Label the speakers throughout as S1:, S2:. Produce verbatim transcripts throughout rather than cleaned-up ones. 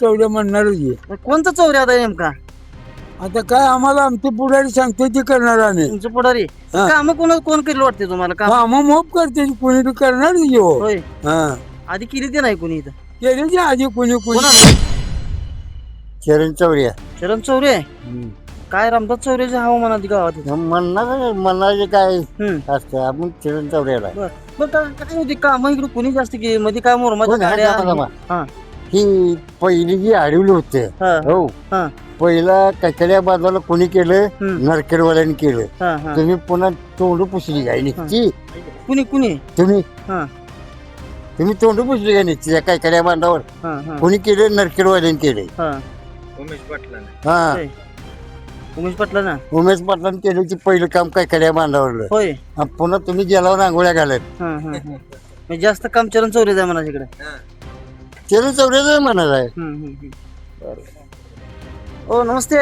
S1: चौऱ्या म्हणणारच आहे.
S2: कोणता चौरे आता नेमका
S1: आता काय आम्हाला आमचे पुढारी सांगते ते करणार आम्ही.
S2: तुमचं पुढारी
S1: हा.
S2: काम कोण कोण केलं वाटते तुम्हाला काम
S1: हा मग मोप करते कोणी बी करणार की हो.
S2: होय
S1: हा
S2: आधी केली ते नाही कोणी इथं
S1: केले की आधी कोणी कोणी
S2: कोणाला?
S1: चरण चौऱ्या
S2: शरण चौरे काय रामदास चौरेचे हवामानात गावात इथं?
S1: म्हणणार म्हणायचे काय
S2: हम्म.
S1: असतं आपण चरण चौऱ्याला
S2: बर बर काय काय होती काम इकडे कोणी जास्त केली मध्ये काय मोरमाच्या
S1: कोण आहे
S2: गाड्या
S1: का मला?
S2: हा
S1: ही पहिली जी अडवली होते
S2: हा
S1: हो
S2: हा
S1: पहिला कचड्या बाजूला कोणी केलं
S2: हम्म.
S1: नरकेडवाल्यांनी केलं.
S2: हा हा
S1: तुम्ही पुन्हा तोंड पुसली काय निघती
S2: कुणी कुणी
S1: तुम्ही
S2: हा
S1: तुम्ही तोंड पुसली काय निघती काय कड्या बांधावर
S2: हा हा
S1: कोणी केलं नरकेडवाल्यांनी केले.
S2: हा
S1: हा
S2: होय. उमेश पाटला ना
S1: उमेश पाटलांनी केलं की पहिलं काम काय कड्या बांधावरलं.
S2: होय
S1: आणि पुन्हा तुम्ही गेल्यावर आंघोळ्या घालत
S2: हा हा हा म्हणजे जास्त काम चरण चौरे जाय म्हणा तिकडे
S1: चरण चौऱ्याच म्हणत आहे.
S2: ओ नमस्ते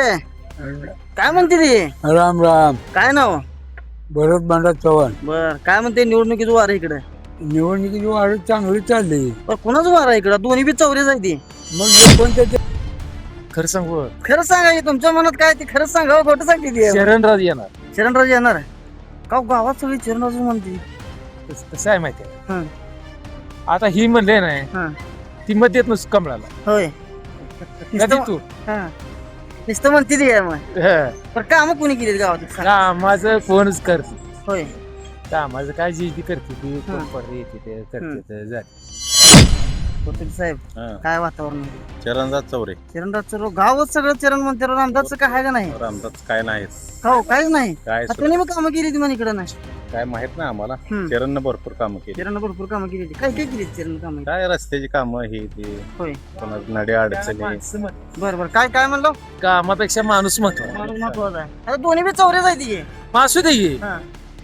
S2: काय म्हणते ती
S1: राम राम
S2: काय नाव
S1: भरत भांडा चव्हाण.
S2: बर काय म्हणते निवडणुकीचं वार इकडे
S1: निवडणुकीची वाढ चांगली चालली.
S2: पण कोणाचं वार आहे इकडं दोन्ही बी चौरे जाय ती
S1: मग कोणत्या ते-
S3: खरं सांगू
S2: खरं सांगा की तुमच्या मनात काय ते खरंच सांगा हो, खोटं सांगते ती
S3: शरणराज येणार.
S2: चरणराज येणार का गावात सगळी चरणराज म्हणते
S3: कस- कसं आहे माहिती
S2: हा.
S3: आहे आता ही म्हणले नाही
S2: हा
S3: ती मत देत नसतो कमळाला
S2: होय
S3: कधी
S2: नुसतं
S3: तू
S2: हा. नुसतं म्हणते ती आहे मग
S3: हं.
S2: पण काम कोणी केली गावात सांग.
S3: कामाचं कोणच करते
S2: होय
S3: कामाचं काय जी ती करते ती
S2: हं.
S3: कोण पडते येते ते करते ते झालं.
S2: कोथिंबीर साहेब काय वातावरण
S4: चरणदास चौरे
S2: चरणराजचं रो- गावच सगळं चरण म्हणते राव, रामदासचं काय आहे का नाही
S4: रामदास काय नाही
S2: हो काहीच नाही
S4: काय
S2: आता त्याने मग कामं केली ती म्हणे इकडं नाही
S4: काय माहित नाही आम्हाला
S2: हम्म.
S4: चरणनं भरपूर कामं केली
S2: चरण भरपूर कामं केली ती. काय काय केली चरण कामं
S4: काय रस्त्याची कामं ही ती
S2: होय
S4: कोणा नड्या अडचणी
S3: माणसं मत-
S2: बरं बरं काय काय म्हणलं
S3: कामापेक्षा माणूस महत्व
S2: माणूस महत्वाचा आहे आता दोन्ही बी चौरे जायची
S3: असू दे की.
S2: हा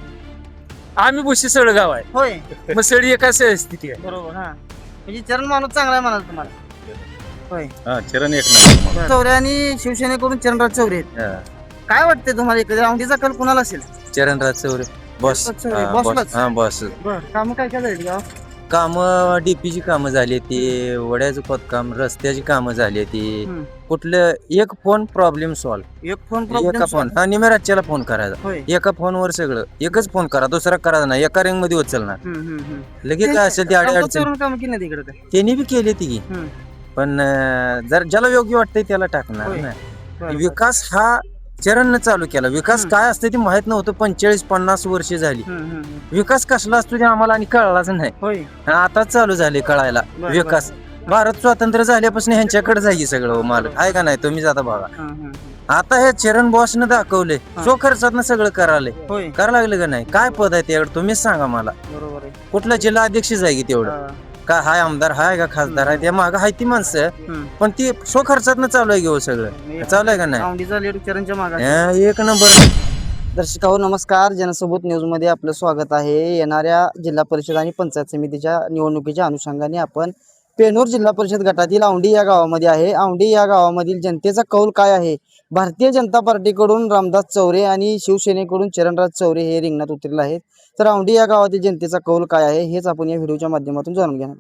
S3: आम्ही बुशी सगळं गाव आहे
S2: होय
S3: मग सळी एका स्थिती आहे
S2: बरोबर हा म्हणजे चरण माणूस चांगला आहे म्हणाल तुम्हाला होय
S4: हा चरण एक नंबर
S2: चौरे आणि शिवसेनेकडून चरणराज चौरे आहेत.
S4: हा.
S2: काय वाटते तुम्हाला इकडे औंढीचा कल कुणाला असेल
S5: चरणराज चौरे बॉस
S2: चरणराज चौरे,
S5: हा,
S2: बॉसलाच?
S5: बॉस हा बॉस
S2: बर काम काय काय झाली गाव
S5: काम डीपीची कामं झाली ती वड्याचं खोदकाम रस्त्याची कामं झाली ती
S2: हम्म.
S5: कुठलं एक फोन प्रॉब्लेम सॉल्व
S2: एक फोन
S5: एका
S2: प्रॉब्लेम
S5: फोन हा निमेराच्याला फोन करायचा
S2: होय
S5: एका फोनवर सगळं एकच फोन करा दुसरा करायचा नाही एका रिंग मध्ये उचलणार
S2: हम्म, हम्म, हम्म.
S5: लगेच काय असेल ते अडी
S2: रामदास
S5: अडचण
S2: चौरेनं कामं केली नाही तिकडे काय
S5: त्यांनी बी केली ती की.
S2: हम्म.
S5: पण अं, जर ज्याला योग्य वाटतंय त्याला टाकणार
S2: होय.
S5: ना
S2: बरं, बरं.
S5: विकास हा चरणनं चालू केला विकास
S2: हम्म.
S5: काय असतं ते माहित नव्हतं पंचेचाळीस पन्नास वर्ष झाली
S2: हम्म, हम्म, हम्म.
S5: विकास कसला असतो ते आम्हाला आणि कळलाच नाही
S2: होय
S5: आता चालू झाले कळायला
S2: बरं,
S5: विकास भारत स्वातंत्र्य झाल्यापासून ह्यांच्याकडे जाई सगळं मालक आहे का नाही तुम्ही जाता बघा
S2: हा, हा,
S5: आता हे चरण बॉसनं दाखवले
S2: हा.
S5: सो खर्चात सगळं करायले
S2: हा. होय
S5: करायला लागलं का नाही काय पद आहे तेवढं तुम्हीच सांगा मला
S2: बरोबर आहे
S5: कुठला जिल्हा अध्यक्ष जागी तेवढं
S2: हा.
S5: काय हाय आमदार हाय का खासदार आहे त्या माग हाय ती माणसं
S2: हम्म.
S5: पण ती सो खर्चात चालू आहे घेऊ सगळं चालू आहे का नाही
S2: औंढीचा लेट चरणच्या मागा
S5: हा, एक नंबर
S2: दर्शकाहो नमस्कार जनसबूत न्यूज मध्ये आपलं स्वागत आहे. येणाऱ्या जिल्हा परिषद आणि पंचायत समितीच्या निवडणुकीच्या अनुषंगाने आपण पेनूर जिल्हा परिषद गटातील औंढी या गावामध्ये आहे. औंढी या गावामधील जनतेचा कौल काय आहे? भारतीय जनता पार्टीकडून रामदास चौरे आणि शिवसेनेकडून चरणराज चौरे हे रिंगणात उतरले आहेत. तर औंढी या गावातील जनतेचा कौल काय आहे हेच आपण या व्हिडिओच्या माध्यमातून जाणून घेणार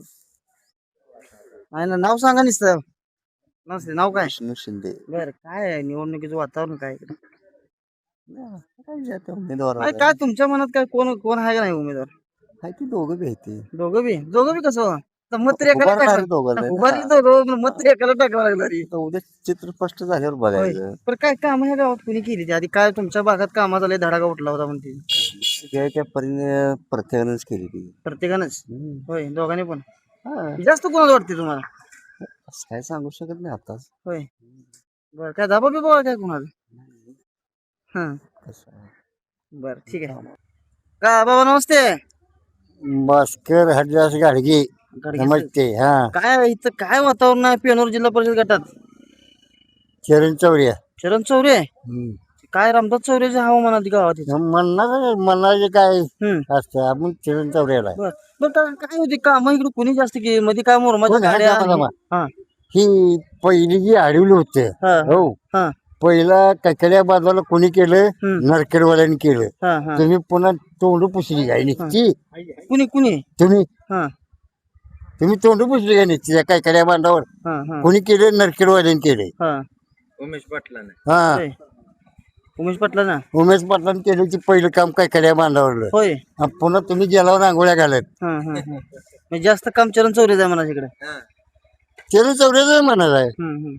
S2: आहे ना. नाव सांगा निसतं नसते नाव काय
S1: विष्णू शिंदे
S2: बर काय आहे निवडणुकीचं वातावरण काय आहे इकडं?
S1: काय जाते उमेदवार
S2: काय काय तुमच्या मनात काय कोण कोण आहे का नाही उमेदवार
S1: आहे ती दोघं बी आहे
S2: दोघं बी दोघं बी कसं तर मत तरी एकाला
S1: उभारणारे
S2: टाकलं.
S1: दोघं नाही ना.
S2: उभारली दोघं पण मत तरी एकाला टाकावं लागणार आहे.
S1: आता उद्या चित्र स्पष्ट झाल्यावर बघायचं
S2: पण काय काम ह्या गावात कुणी केली ती आधी काय तुमच्या भागात कामा झाले धडाका उठला होता म्हणते
S1: त्या त्या परीने प्रत्येकानेच केली ती
S2: प्रत्येकानंच
S1: हम्म.
S2: होय दोघांनी पण
S1: हा,
S2: जास्त कोणाला वाटते तुम्हाला
S1: असं काय सांगू शकत नाही आताच
S2: होय बर काय दाबा बी बघा काय कोणाला हा
S1: कसं आहे.
S2: बर ठीक आहे का बाबा नमस्ते
S1: भास्कर हरिदास गाडगे
S2: गाडगे
S1: नमस्ते हा
S2: साहेब. काय इथं काय वातावरण आहे पेनोर जिल्हा परिषद गटात
S1: चरण चौऱ्या
S2: चरण चौरे काय रामदास चौरेचे हवामानात गावात इथं?
S1: म्हणणार म्हणायचे काय
S2: हम्म
S1: असतं आपण चरण चौऱ्याला
S2: बर बर काय काय होती काम इकडे कोणी जास्त केली मध्ये काय मोरमाच्या
S1: कोण आहे
S2: गाड्या
S1: का मला?
S2: हा
S1: ही पहिली जी अडवली होते
S2: हा
S1: हो
S2: हा
S1: पहिला कचड्या बाजूला कोणी केलं
S2: हम्म.
S1: नरकेडवाल्यांनी केलं.
S2: हा हा
S1: तुम्ही पुन्हा तोंड पुसली काय निघती
S2: कुणी कुणी
S1: तुम्ही
S2: हा
S6: तुम्ही तोंड पुसले का नाही तिच्या काय काय बांधावर
S2: हा हा
S6: कोणी केले नरखेडवाल्याने केले
S2: हा
S5: उमेश पाटलाने
S6: हा
S2: होय. उमेश पाटला ना
S6: उमेश पाटलांनी केलं की पहिलं काम काय काय बांधावरलं
S2: होय
S6: हा, पुन्हा तुम्ही गेल्यावर रांगोळ्या घालत
S2: हा हा हा म्हणजे जास्त काम चरण चौरे जाय म्हणा तिकडे
S6: केलं चौऱ्याच म्हणत आहे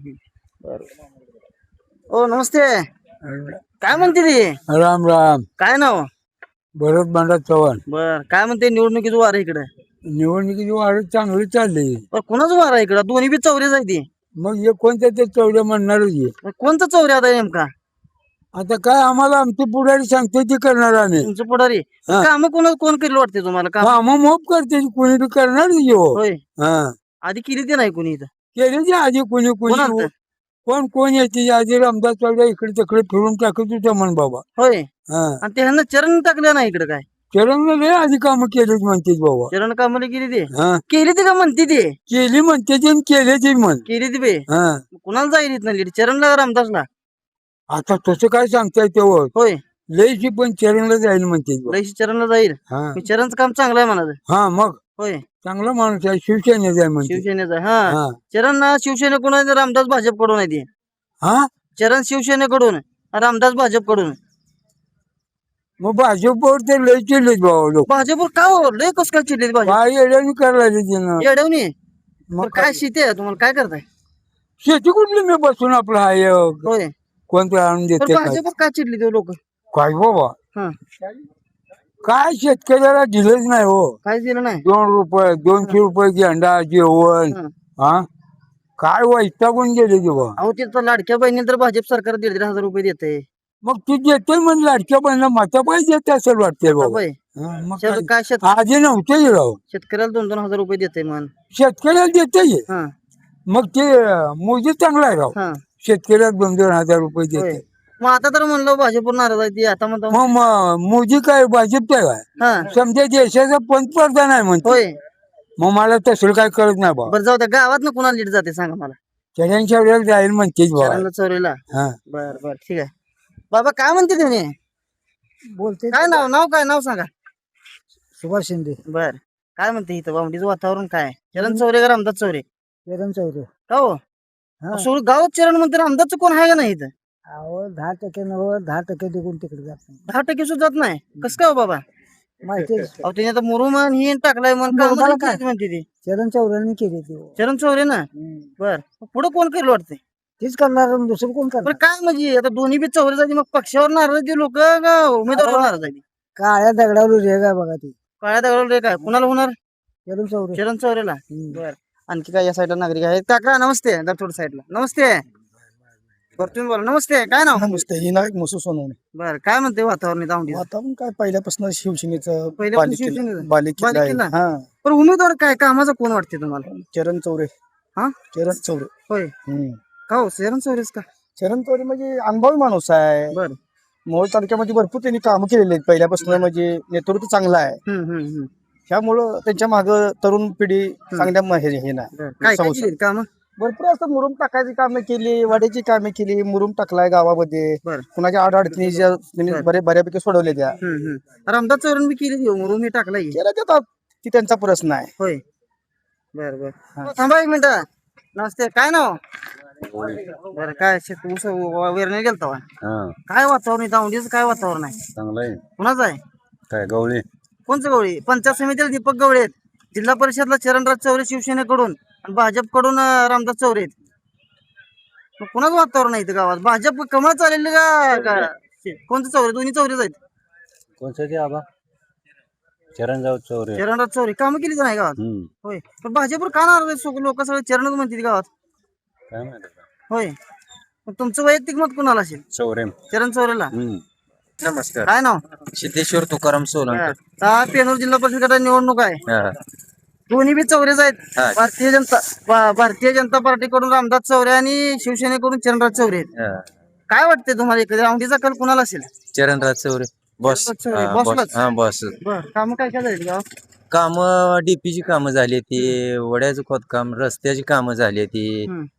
S2: ओ नमस्ते काय म्हणते ती
S1: राम राम
S2: काय नाव
S1: भरत भांडा चव्हाण
S2: बर काय म्हणते निवडणुकीचं वार इकडे
S1: निवडणुकीची वाढ चांगली चालली
S2: बर कोणाचं वार आहे इकडं दोन्ही बी चौरे जाय ती
S1: मग हे कोणत्या ते चौड्या म्हणणारच आहे.
S2: मग कोणतं चौरे आता नेमका
S1: आता काय आम्हाला आमची पुढारी सांगते ती करणार आम्ही
S2: तुमचं पुढारी
S1: हा.
S2: काम कोण कोण केलं वाटते तुम्हाला काम
S1: हा मग मोप करते कोणी बी करणार हो
S2: होय
S1: हा
S2: आधी केली ते नाही कोणी इथं
S1: केली ती आधी कोणी
S2: कोण
S1: कोणी
S2: आलतं?
S1: कोण कोण येते आधी रामदास चौड्या इकडे तिकडे फिरून टाकत होत्या म्हण बाबा
S2: होय
S1: हा
S2: आणि ते ह्यांना चरण टाकलं नाही इकडे काय
S1: चरण लय आधी कामं केलीच म्हणते बाबा
S2: चरण कामाला केली ते
S1: हा
S2: केली ते का म्हणते ते
S1: केली म्हणते ती आणि केली ती म्हण
S2: केली ती बे
S1: हा
S2: कुणाला जाईल इथं लीड चरणला का रामदासला
S1: आता तसं काय सांगता येते हो
S2: होय
S1: लयची पण चरणला जाईल म्हणते बा.
S2: लयशी चरणला जाईल
S1: हा
S2: मग चरणचं काम चांगलं आहे म्हणाचं
S1: हा मग
S2: होय
S1: चांगला माणूस आहे शिवसेनेचा आहे म्हणते
S2: शिवसेनेचा हा
S1: हा
S2: चरण ना शिवसेनेकडून आहे, रामदास भाजपकडून आहे ते
S1: हा
S2: चरण शिवसेनेकडून रामदास भाजपकडून
S1: मग भाजपवर ते लय चिडलेत बाबा लोक
S2: भाजपवर का हो लय कस काय चिडले भाजप
S1: काय येड्याने करायला तिनं
S2: येडवणी
S1: मग
S2: तर काय शेती आहे तुम्हाला काय करताय
S1: शेती कुठली मी बसून आपलं हाय
S2: होय
S1: कोणतं आणून
S2: पण
S1: देते काय
S2: भाजपवर काय चिडली ते लोक
S1: काय बाबा
S2: हा
S1: काय शेतकऱ्याला दिलंच नाही हो
S2: काय दिलं नाही
S1: दोन रुपये दोनशे रुपये गेंडा जेवण
S2: हा.
S1: हा काय वैतागून गेले ते बा
S2: अहो ते तर लाडक्या बहिणी तर भाजप सरकार दीड दीड हजार रुपये देते
S1: मग ती देते म्हणजे लाडक्या बहिणीला माता पाहिजे देते असेल वाटते बाबा
S2: होय
S1: हा, मग
S2: शेत-
S1: काय?
S2: काय शेत
S1: आधी नव्हते राव
S2: शेतकऱ्याला दोन दोन हजार रुपये देते मन
S1: शेतकऱ्याला देते
S2: हा
S1: मग ते मोदी चांगला आहे राव
S2: हा
S1: शेतकऱ्याला दोन दोन हजार रुपये
S2: होय
S1: देते
S2: मग आता तर म्हणलं भाजपवर नाराज आहे ती आता म्हणतो
S1: मग म- मोदी काय भाजपचा काय
S2: हा
S1: समजा देशाचा पंतप्रधान आहे म्हणते
S2: होय
S1: मग मला तसं काय कळत नाही बा
S2: बरं जाऊ त्या गावात ना कुणाला लीड जाते सांगा मला
S1: चढ्यांच्या वेळेला जाईल म्हणतेच बा
S2: चरणला चोरीला
S1: हा
S2: बर बर ठीक आहे बाबा काय म्हणते त्याने
S1: बोलते
S2: काय नाव नाव काय नाव सांगा
S1: सुभाष शिंदे
S2: बर काय म्हणते इथं बावडीचं वातावरण काय चरण चौरे का रामदास चौरे
S1: चरण चौरे
S2: का हो सोड गावात चरण म्हणते रामदासचं कोण आहे का नाही इथं
S1: अहो दहा टक्के नव्वद दहा टक्के निघून तिकडे जात नाही
S2: दहा टक्के सुद्धा जात नाही कसं काय हो बाबा
S1: माहिती
S2: अहो त्याने आता मुरुम आणि ही टाकलाय मन
S1: मुरुमाला काय?
S2: म्हणते ती
S1: चरण चौऱ्याने केली ती
S2: चरण चौरे ना बर पुढे कोण करेल वाटते
S1: तीच करणार दुसरं कोण
S2: पण काय म्हणजे आता दोन्ही बी चौरे जाते मग पक्षावर नाराज आहे लोक का उमेदवारावर नाराज आहे
S1: काळ्या दगडावर रेग आहे बघा ती
S2: काळ्या दगडावर रे काय कुणाला होणार
S1: चरण चौरे
S2: चरण चौरेला बर आणखी काय या साईडला नागरिक आहेत काका नमस्ते दरथोड साईडला नमस्ते बरं तुम्ही बोला नमस्ते काय नाव
S7: नमस्ते ही नाईक मुसू सोनवणे
S2: बर काय म्हणते वातावरण दावडी
S7: वातावरण काय पहिल्यापासून शिवसेनेचं
S2: पहिल्यापासून
S7: बालेकिल्ला
S2: शिवसेनेचं?
S7: बालेकिल्ला आहे.
S2: बालेकिल्ला?
S7: हा
S2: पण उमेदवार काय कामाचा कोण वाटते तुम्हाला
S7: चरण चौरे
S2: हा
S7: चरण चौरे
S2: होय
S7: हम्म.
S2: का हो चरण चौरेच का
S7: चरण चौरे म्हणजे अनुभवी माणूस आहे
S2: बर
S7: मोहोळ तालुक्यामध्ये भरपूर त्यांनी कामं केलेली आहेत पहिल्यापासून म्हणजे नेतृत्व चांगलं आहे
S2: हम्म हम्म हम्म
S7: त्यामुळं त्यांच्या माग तरुण पिढी चांगल्या म- हे हे नाही
S2: बर. काय काय
S7: संस्था.
S2: केली काम
S7: भरपूर असं मुरुम टाकायची कामे केली वाड्याची कामे केली मुरुम टाकलाय गावामध्ये
S2: बर.
S7: कुणाच्या अडचणी ज्या त्यांनी
S2: बर.
S7: बरे बऱ्यापैकी सोडवल्या त्या
S2: हम्म हम्म रामदास चौरण बी केली मुरुम ही टाकला की.
S7: केल्या त्या ती त्यांचा प्रश्न आहे
S2: होय बर बर हो, थांबा एक मिनिट नमस्ते काय नाव बर काय शेत ऊस वेरणे गेलता होय.
S4: हा
S2: काय वातावरण दावडीचं काय वातावरण आहे
S4: चांगलं आहे
S2: कुणाचं आहे
S4: काय गवळी
S2: कोणचं गवळी पंचायत समितीला दीपक गवळे आहेत जिल्हा परिषदला चरणराज चौरे शिवसेनेकडून आणि भाजपकडून अं, रामदास चौरे आहेत मग कुणाचं वातावरण आहे इथं गावात भाजप कमळ चालेल का का- कोणतं चौरे दोन्ही चौरेच आहेत
S4: कोणचं ते आबा चरणराव चौरे
S2: चरणराज चौरे कामं केली तर नाही गावात
S4: हम्म
S2: होय पण भाजपवर का नाराज आहेत लोक सगळे चरणच म्हणतात गावात
S4: काय माहिती का?
S2: होय मग तुमचं वैयक्तिक मत कुणाला असेल
S4: चौरे
S2: चरण चौरेला
S4: हम्म नमस्कार
S2: काय नाव
S5: सिद्धेश्वर तुकाराम सोलंकर
S2: हा पेनूर जिल्हा परिषद गटाची निवडणूक आहे
S5: हा.
S2: दोन्ही बी चौरेच आहेत
S5: हा.
S2: भारतीय जनता भा- भारतीय जनता पार्टीकडून रामदास चौरे आणि शिवसेनेकडून चरणराज चौरे आहेत
S5: हा.
S2: काय वाटते तुम्हाला इकडे राऊंडीचा कल कुणाला असेल
S5: चरणराज चौरे बॉस
S2: चरणराज चौरे,
S5: हा,
S2: बॉसलाच?
S5: बॉस हा बॉस
S2: बर काम काय काय झाली गाव
S5: काम डीपीची कामं झाली ती वड्याचं खोदकाम रस्त्याची कामं झाली ती
S2: हम्म.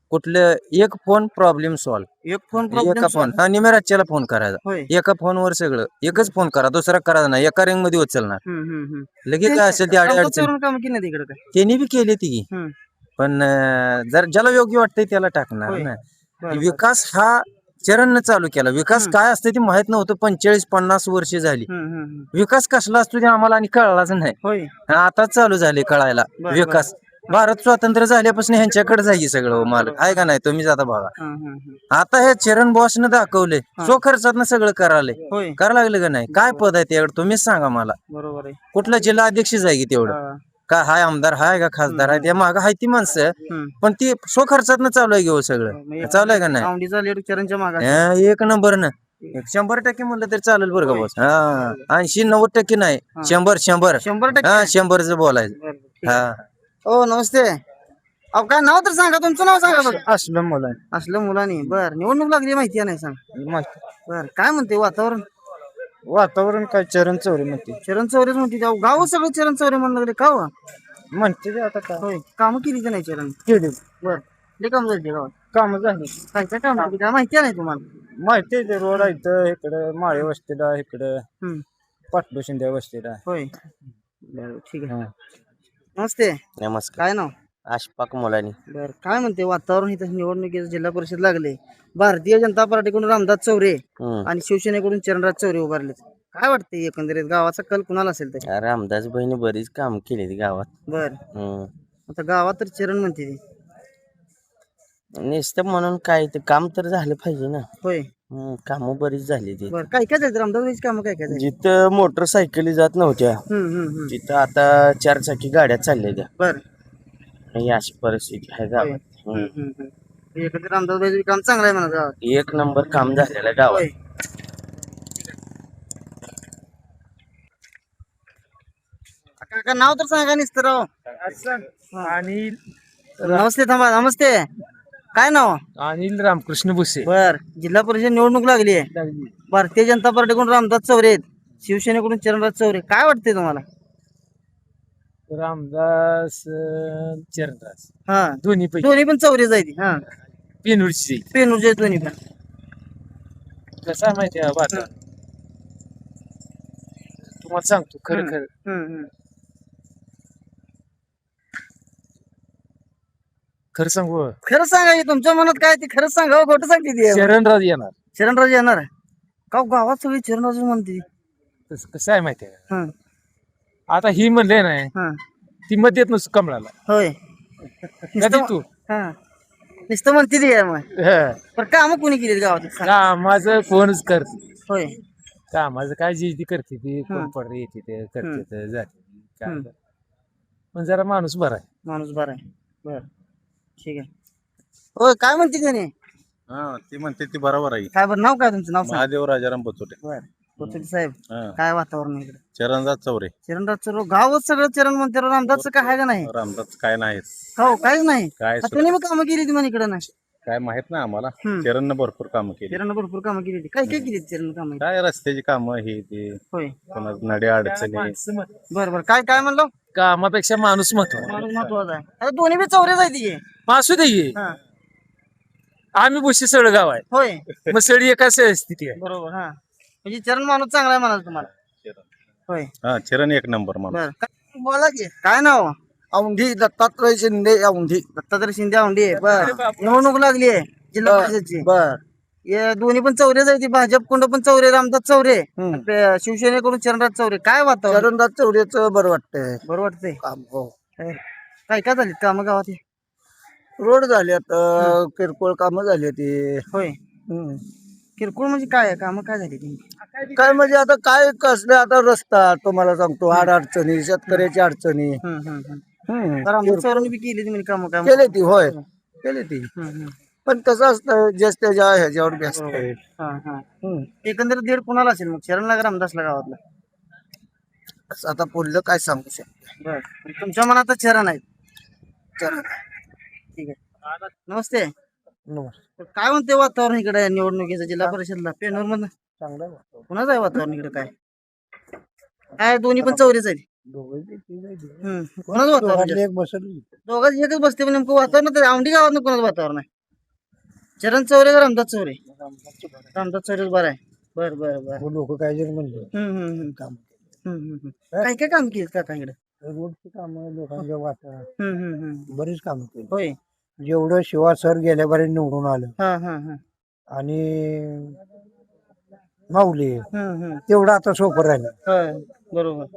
S5: कुठलं एक फोन प्रॉब्लेम सॉल्व्ह
S2: एक फोन
S5: एका
S2: प्रॉब्लेम
S5: फोन हा निमेराच्याला फोन करायचा
S2: होय
S5: एका फोनवर सगळं एकच फोन करा दुसरा करायचा नाही एका रिंग मध्ये उचलणार
S2: हम्म, हम्म, हम्म.
S5: लगेच काय असेल ते अडी अडचण
S2: काम केली नाही तिकडे काय
S5: त्यांनी बी केली ती
S2: हम्म.
S5: पण अं, जर ज्याला योग्य वाटतंय त्याला टाकणार
S2: होय.
S5: ना
S2: बरं, बरं.
S5: विकास हा चरणनं चालू केला विकास
S2: हम्म.
S5: काय असतं ते माहित नव्हतं पंचेचाळीस पन्नास वर्ष झाली
S2: हम्म, हम्म, हम्म.
S5: विकास कसला असतो ते आम्हाला आणि कळलाच नाही
S2: होय
S5: आता चालू झाले कळायला
S2: बरं,
S5: विकास भारत स्वातंत्र्य झाल्यापासून ह्यांच्याकडे जाई सगळं मालक आहे का नाही तुम्ही जाता बघा
S2: हम्म, हम्म, हम्म.
S5: आता हे चरण बॉसनं दाखवले सो खर्चात सगळं करायला
S2: होय
S5: करायला लागलं का नाही काय पद आहे त्याकडे तुम्हीच सांगा मला
S2: बरोबर आहे
S5: कुठला जिल्हा अध्यक्ष जाय की तेवढं
S2: हा.
S5: काय हाय आमदार हाय का खासदार आहे त्या माग हाय ती माणसं
S2: हम्म.
S5: पण ती सो खर्चात चालू आहे घेऊ सगळं
S2: म्हणजे
S5: चालू आहे का नाही
S2: औंढीचा लेट चरणच्या मागा
S5: हा, एक नंबर ना एक शंभर टक्के म्हणलं तरी चालेल बरं का बॉस हा ऐंशी नव्वद टक्के नाही शंभर शंभर
S2: शंभर टक्के
S5: हा शंभरच बोलायचं
S2: बरं, बरं, ठीक
S5: हा
S2: आहे. हो नमस्ते अहो काय नाव तर सांगा तुमचं नाव सांगा बघ
S1: असलं मला
S2: असलं मुलांनी बर निवडणूक लागली माहिती आहे नाही सांग बर काय म्हणते वातावरण
S1: वातावरण काय चरण चौरे म्हणते
S2: चरण चौरेच म्हणते गाव गाव सगळं चरण चौरे म्हणलं लागले का हो?
S1: म्हणते ते आता काय
S2: होय काम केली की नाही चरण
S1: केली
S2: बर लय काम झाली गावात
S1: काम झाली
S2: काय काय काम केली काय माहिती आहे नाही तुम्हाला
S1: माहिती आहे ते रोड आहे इथं इकडं माळे वस्तीला इकडं
S2: हम्म.
S1: पाटलो शिंदे वस्तीला
S2: होय बर ठीक आहे नमस्ते
S5: नमस्कार
S2: काय नाव
S5: अशफाक मुलानी
S2: बर काय म्हणते वातावरण इथं निवडणुकीचं जिल्हा परिषद लागले भारतीय जनता पार्टीकडून रामदास चौरे आणि शिवसेनेकडून चरणराज चौरे उभारले काय वाटतंय एकंदरीत गावाचा कल कुणाला असेल ते
S5: रामदास बहिणी बरीच काम केली गावात
S2: बर आता गावात तर चरण म्हणते ती
S5: नुसतं म्हणून काय ते काम तर झालं पाहिजे ना
S2: होय
S5: काम बरीच झाली ती
S2: बर काय काय झालं रामदास काम काय काय झालं
S5: जिथं मोटरसायकली जात नव्हत्या
S2: हम्म हम्म हम्म
S5: तिथं आता चार चाकी गाड्या चालल्या त्या
S2: बर
S5: ही अशी परिस्थिती आहे
S2: होय.
S5: गावात
S2: हम्म, हम्म, हम्म. एकंदरीत रामदास काम चांगलं आहे म्हणा गावात
S5: एक नंबर काम झालेलं गावात
S2: होय काका नाव तर सांगा निसतं राव
S3: अनिल
S2: नमस्ते थांबा नमस्ते काय नाव
S3: अनिल रामकृष्ण भुसे
S2: बर जिल्हा परिषद निवडणूक लागली आहे भारतीय जनता पार्टीकडून रामदास चौरे आहेत शिवसेनेकडून चरणराज चौरे काय वाटते तुम्हाला
S3: रामदास अं, चरणदास
S2: हा
S3: दोन्ही पैकी
S2: दोन्ही पण चौरे जायची हा
S3: पेनूरची
S2: पेनूरचे दोन्ही पण
S3: कसं आहे माहिती आहे वाता तुम्हाला सांगतो खरं खरं
S2: हम्म, हम्म.
S3: खरं सांगू
S2: खरं सांगा की तुमच्या मनात काय ते खरंच सांगा हो, खोटं सांगते ती
S3: चरणराज येणार
S2: चरणराज येणार का हो, गावात सगळी चरणराज म्हणते
S3: कसं कसं आहे माहिती आहे
S2: हा
S3: आता ही म्हणले नाही
S2: हा
S3: ती मध्ये येत नसतो कमळाला
S2: होय
S3: कधी तू
S2: हा नुसतं म्हणते ती आहे मग
S3: हं.
S2: पण काम कोणी केली गावात सांगा.
S3: कामाचं कोणच करते
S2: होय
S3: कामाचं काय जी ती करते ती
S2: हं.
S3: कोण पडते येते ते करते ते जाते काय
S2: हं.
S3: कर. पण जरा माणूस बरा आहे
S2: माणूस बरा आहे बर ठीक आहे होय काय म्हणते त्याने
S4: हा ती म्हणते ती बरोबर आहे
S2: काय बरं नाव काय तुमचं नाव सांग
S4: महादेव राजाराम बचोटे
S2: बर कोथुडी साहेब
S4: हा.
S2: काय वातावरण आहे इकडे
S4: चरणदास चौरे
S2: चरणराजचं गावच सगळं चरण म्हणते राव, रामदासचं काय आहे का नाही
S4: रामदास काय नाही
S2: हो काहीच नाही
S4: काय
S2: हा, तुम्ही मग कामं केली ती म्हणे इकडे नाही
S4: काय माहित ना आम्हाला
S2: हम्म.
S4: चरणनं भरपूर कामं केली
S2: चरण भरपूर कामं केली होती काय काय केली चरण कामं
S4: काय रस्त्याची कामं हे ते
S2: होय
S4: कोणा नड्या अडचणी
S3: माणसं मत-
S2: बर बर काय काय म्हणलो
S3: कामापेक्षा माणूस महत्व
S2: माणूस महत्वाचा आहे आता दोन्ही बी चौरे जायची
S3: असू दे की.
S2: हा
S3: आम्ही बुशी सळ गाव आहे
S2: होय
S3: मग सळी एका स्थिती आहे
S2: बरोबर हा म्हणजे चरण माणूस चांगला आहे म्हणाल तुम्हाला होय
S4: हा चरण एक नंबर माणूस
S2: बर काय- बोला की काय नाव
S1: औंढी दत्तात्रय शिंदे औंढी
S2: दत्तात्रय शिंदे औंढी आहे बर निवडणूक लागली आहे जिल्हा परिषदची
S1: बर
S2: हे दोन्ही पण चौरे जायची भाजप कोंड पण चौरे रामदास चौरे पे- शिवसेनेकडून चरणराज चौरे काय वातावरण
S1: चरणदास चौरेच बरं वाटतंय
S2: बरं वाटतंय
S1: काम हो
S2: हे, काय काय झाली काम गावात हे?
S1: रोड झाल्यात अं, किरकोळ कामं झाली ती
S2: होय किरकोळ म्हणजे काय आहे काम काय झाली ती
S1: काय म्हणजे आता काय कसले आता रस्ता तुम्हाला सांगतो आड अडचणी शेतकऱ्याची अडचणी हम्म.
S2: रामदास चौरांनी बी केली ती म्हणजे काम काय
S1: केली ती होय केली ती
S2: हम्म, हम्म.
S1: पण कसं असतं ज्याच त्याच्या ह्याच्यावर व्यस्त आहे.
S2: हा, हा.
S1: हम्म.
S2: एकंदरीत दीड कुणाला असेल मग शरणला का रामदासला गावातला
S1: असं आता पुढलं काय सांगू शकतो
S2: बर तुमच्या मनात चरण आहेत
S1: चरण
S2: ठीक आहे नमस्ते
S1: नमस्कार.
S2: काय म्हणते वातावरण इकडे निवडणुकीचं जिल्हा परिषदला पेनूर मधनं
S1: चांगलं आहे.
S2: कुणाचं आहे वातावरण इकडे काय काय दोन्ही पण चौरीच आहेत हम्म. कोणाचं वातावरण जास्त?
S1: एक बसली
S2: दोघांचं एकच बसते पण नेमकं वातावरण तर औंढी गावात कोणाचं वातावरण आहे चरण चौरे का रामदास चौरे रामदास चौरे बरं आहे बर बर बर
S1: लोक काय जरी म्हणले
S2: हम्म हम्म हम्म.
S1: काम
S2: हम्म हम्म हम्म. काय काय काम केलं काका इकडे
S1: रोडची कामं लोकांच्या वाटा
S2: हम्म हम्म हम्म.
S1: बरीच कामं केली
S2: होय
S1: जेवढं शिवा सर गेल्या बारी निवडून आलं
S2: हा हा हा
S1: आणि माऊली
S2: हम्म हम्म.
S1: तेवढं आता सोपं राहिलं
S2: होय बरोबर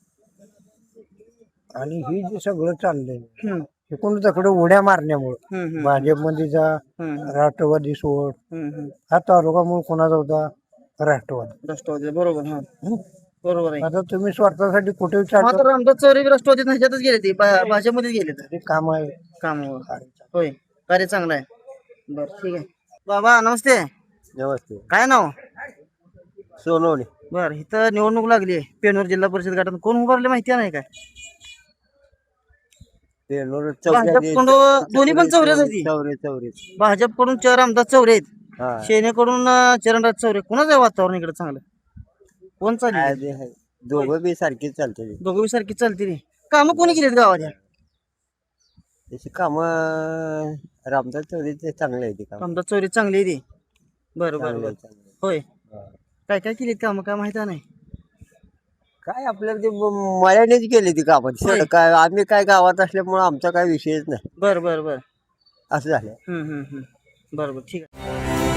S1: आणि ही जे सगळं चाललंय
S2: हम्म
S1: एकूण तिकडे उड्या मारण्यामुळं
S2: हम्म हम्म.
S1: भाजपमध्ये जा
S2: हम्म
S1: राष्ट्रवादी सोड
S2: हम्म हम्म.
S1: हा तालुका मूळ कोणाचा होता राष्ट्रवादी
S2: राष्ट्रवादी बरोबर हा
S1: हं?
S2: बरोबर आहे
S1: आता तुम्ही स्वार्थासाठी कुठे
S2: मग
S1: विचारता
S2: आता रामदास चौरे बी राष्ट्रवादीत ह्याच्यातच गेले ते भा- भाजपमध्ये गेले तर
S1: ते काम आहे
S2: काम होय कार्य चांगलं आहे बर ठीक आहे बाबा नमस्ते
S5: नमस्ते
S2: काय नाव
S5: सोनवणे
S2: बर इथं निवडणूक लागली आहे पेनूर जिल्हा परिषद गटात कोण उभारले माहिती आहे नाही काय भाजपकडून दोन्ही पण चौरेच होती
S5: चौरे चौरे
S2: भाजपकडून चार आमदार चौरे आहेत
S5: हा
S2: सेनेकडून अं, चरणराज चौरे कोणाचं आहे वातावरण इकडे चांगलं कोण चालली
S5: दोघं बी सारखीच चालते
S2: दोघं बी सारखी चालते रे कामं कोणी केलीत गावाच्या
S5: त्याची काम रामदास चौधरीचे चांगले आहे ते काम
S2: आमदार चौरे चांगली आहे ती बरं बरं
S5: चांगले
S2: बरं
S5: आहे, चांगले आहे.
S2: होय काय काय केलीत कामं काय माहिती नाही
S5: काय आपल्याला ते म- मळ्यानेच केली ती कामं
S2: होय.
S5: काय आम्ही काय गावात असल्यामुळे आमचा काय विषयच नाही
S2: बरं बरं बरं
S5: असं झालं
S2: हम्म हम्म हम्म बरं बरं ठीक आहे